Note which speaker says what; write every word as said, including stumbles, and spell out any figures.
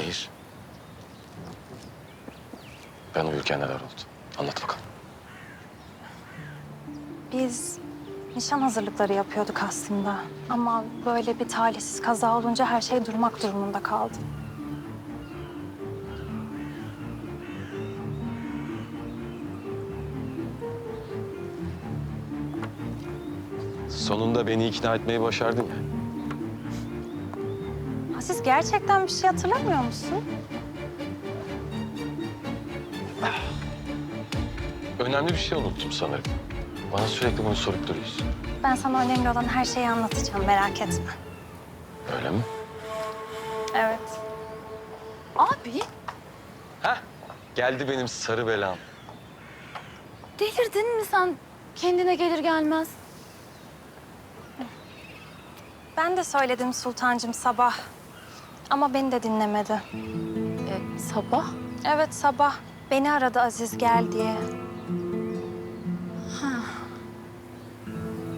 Speaker 1: Nehir. Ben uyurken neler oldu? Anlat bakalım.
Speaker 2: Biz nişan hazırlıkları yapıyorduk aslında. Ama böyle bir talihsiz kaza olunca her şey durmak durumunda kaldı.
Speaker 1: Sonunda beni ikna etmeyi başardın ya.
Speaker 2: Aziz gerçekten bir şey hatırlamıyor musun?
Speaker 1: Önemli bir şey unuttum sanırım. Bana sürekli bunu sorup duruyorsun.
Speaker 2: Ben sana önemli olan her şeyi anlatacağım, merak etme.
Speaker 1: Öyle mi?
Speaker 2: Evet.
Speaker 3: Abi
Speaker 1: Heh, geldi benim sarı belam.
Speaker 3: delirdin mi sen kendine gelir gelmez?
Speaker 2: Ben de söyledim Sultancığım sabah. Ama beni de dinlemedi.
Speaker 3: E, sabah?
Speaker 2: Evet sabah. Beni aradı Aziz gel diye.